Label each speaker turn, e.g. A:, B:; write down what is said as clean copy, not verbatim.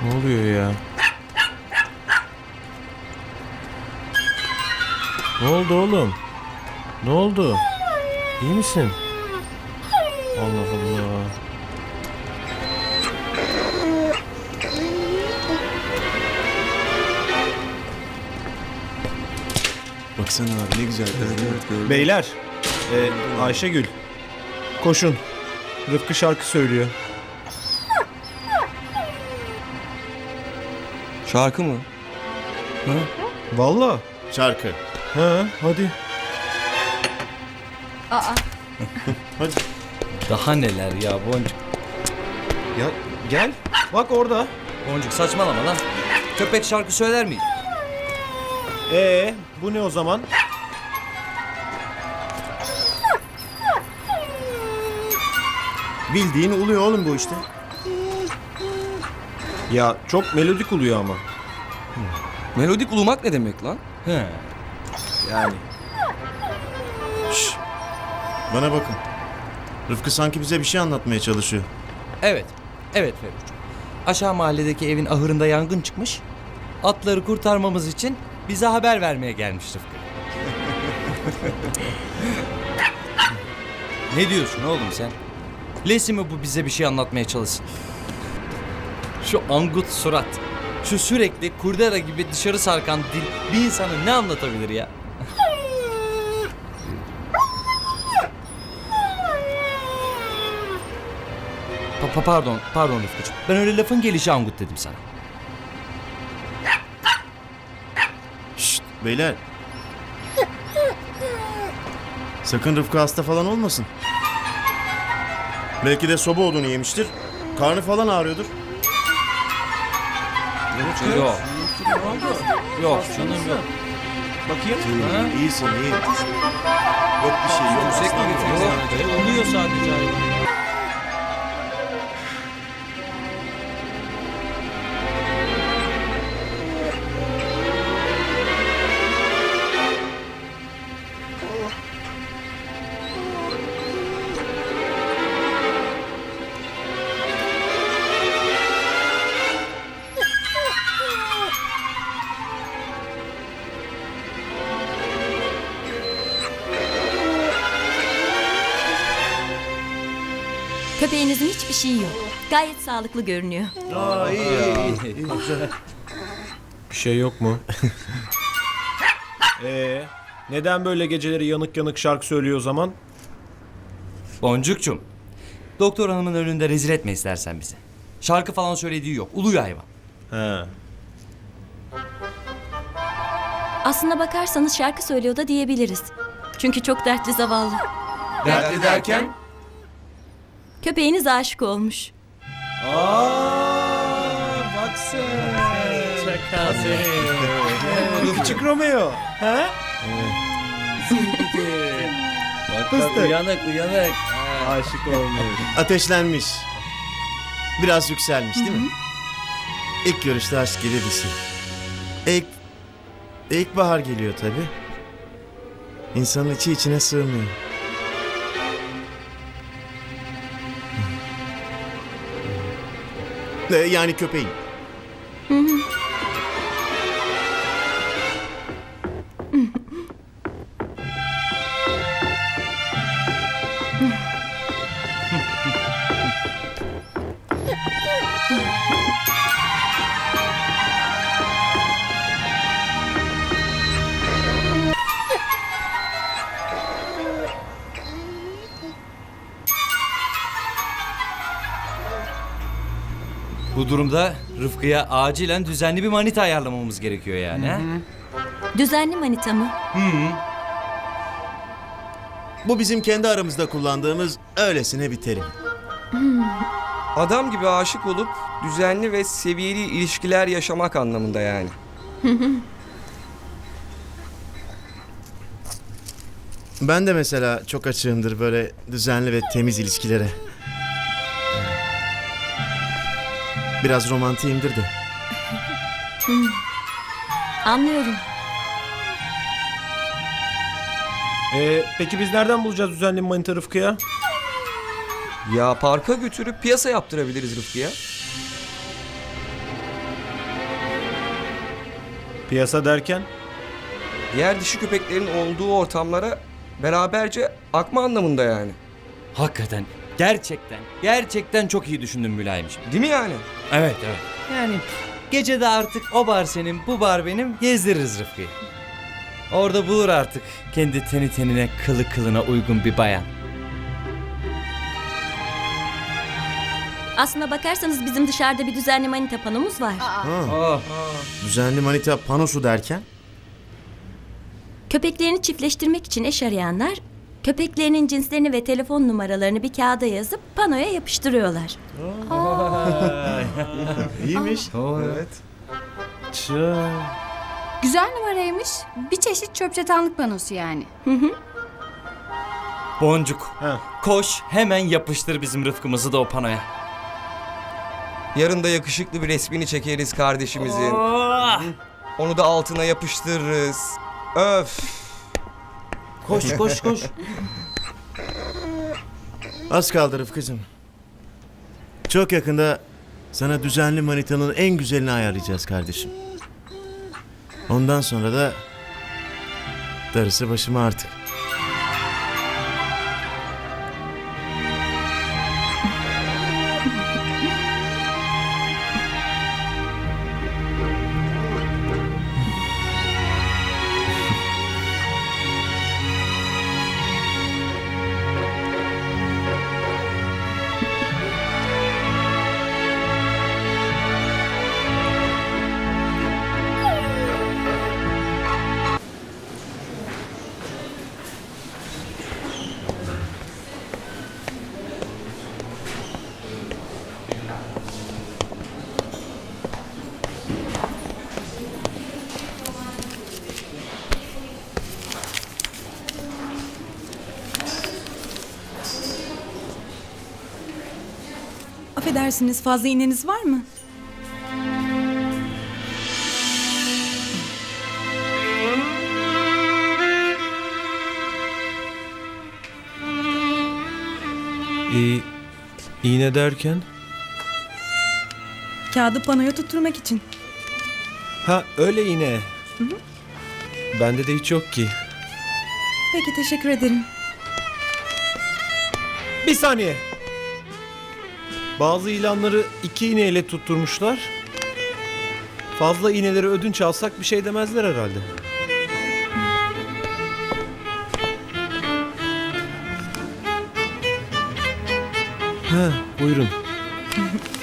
A: Ne oluyor ya? Ne oldu oğlum? Ne oldu? İyi misin? Allah Allah.
B: Baksana abi ne güzel. Evet,
A: Beyler, Ayşegül, koşun. Rıfkı şarkı söylüyor.
B: Şarkı mı? Ha?
A: Vallahi.
C: Şarkı.
A: Ha, hadi.
C: Hadi.
D: Daha neler ya Boncuk.
A: Ya gel. Bak orada.
D: Boncuk saçmalama lan. Köpek şarkı söyler miydi?
A: Bu ne o zaman?
C: Bildiğin uluyor oğlum bu işte.
A: Ya çok melodik oluyor ama.
B: Melodik ulumak ne demek lan?
D: He.
A: Yani.
C: Şşş. Bana bakın. Rıfkı sanki bize bir şey anlatmaya çalışıyor.
D: Evet. Evet Ferruç. Aşağı mahalledeki evin ahırında yangın çıkmış. Atları kurtarmamız için bize haber vermeye gelmiş Rıfkı. Ne diyorsun oğlum sen? Lesi mi bu bize bir şey anlatmaya çalışsın? Şu angut surat, şu sürekli kurdela gibi dışarı sarkan dil bir insana ne anlatabilir ya? Pardon Rıfkıcığım. Ben öyle lafın gelişi angut dedim sana.
C: Şşt beyler. Sakın Rıfkı hasta falan olmasın. Belki de soba odunu yemiştir. Karnı falan ağrıyordur.
D: Yok. Yok canım yok.
A: Bakayım.
C: İyisin iyi. Yok bir şey yok.
D: Yüksek mi getiriyor? Oluyor sadece hayvan.
E: Köpeğinizin hiçbir şeyi yok. Gayet sağlıklı görünüyor.
A: Bir şey yok mu? Neden böyle geceleri yanık yanık şarkı söylüyor o zaman?
D: Boncukçum. Doktor hanımın önünde rezil etme istersen bizi. Şarkı falan söylediği yok. Uluyor hayvan.
A: He.
E: Aslına bakarsanız şarkı söylüyor da diyebiliriz. Çünkü çok dertli zavallı.
D: Dertli derken?
E: Köpeğiniz aşık olmuş.
A: Bak sen. Çakal seni. Küçük Romeo. He?
D: Bak uyanık.
A: Aşık olmuş.
C: Ateşlenmiş. Biraz yükselmiş değil mi? İlk görüşte aşk gelir dişi. İlkbahar geliyor tabii. İnsanın içi içine sığmıyor. Yani köpeğin.
D: Bu durumda Rıfkı'ya acilen düzenli bir manita ayarlamamız gerekiyor yani. Ha?
E: Düzenli manita mı?
C: Bu bizim kendi aramızda kullandığımız öylesine bir terim.
F: Adam gibi aşık olup düzenli ve seviyeli ilişkiler yaşamak anlamında yani.
C: Ben de mesela çok açığımdır böyle düzenli ve temiz ilişkilere. Biraz romantiyimdir de.
E: Anlıyorum.
A: Peki biz nereden bulacağız düzenli bir manita Rıfkı'ya?
F: Ya parka götürüp piyasa yaptırabiliriz Rıfkı'ya.
A: Piyasa derken?
F: Diğer dişi köpeklerin olduğu ortamlara beraberce akma anlamında yani.
D: Hakikaten, gerçekten çok iyi düşündün Mülayimciğim.
F: Değil mi yani?
D: Evet. Yani gece artık o bar senin, bu bar benim, gezdiririz Rıfkı'yı. Orada bulur artık kendi teni tenine, kılı kılına uygun bir bayan.
E: Aslına bakarsanız bizim dışarıda bir düzenli manita panomuz var.
D: Oh.
C: Düzenli manita panosu derken?
E: Köpeklerini çiftleştirmek için eş arayanlar köpeklerinin cinslerini ve telefon numaralarını bir kağıda yazıp panoya yapıştırıyorlar.
C: İyiymiş.
A: Evet.
G: Güzel numaraymış. Bir çeşit çöp çatanlık panosu yani.
D: Boncuk,
A: Ha.
D: koş hemen yapıştır bizim Rıfkı'mızı da o panoya.
F: Yarın da yakışıklı bir resmini çekeriz kardeşimizin.
D: Oh!
F: Onu da altına yapıştırırız. Öf.
D: Koş.
C: Az kaldı Rıfkı'cığım. Çok yakında sana düzenli manitanın en güzelini ayarlayacağız kardeşim. Ondan sonra da darısı başıma artık.
H: Affedersiniz, fazla iğneniz var mı?
A: İğne derken?
H: Kağıdı panoya tutturmak için.
A: Ha öyle iğne. Bende de hiç yok ki.
H: Peki, teşekkür ederim.
A: Bir saniye. Bazı ilanları 2 iğneyle tutturmuşlar. Fazla iğneleri ödünç alsak bir şey demezler herhalde. Ha, buyurun.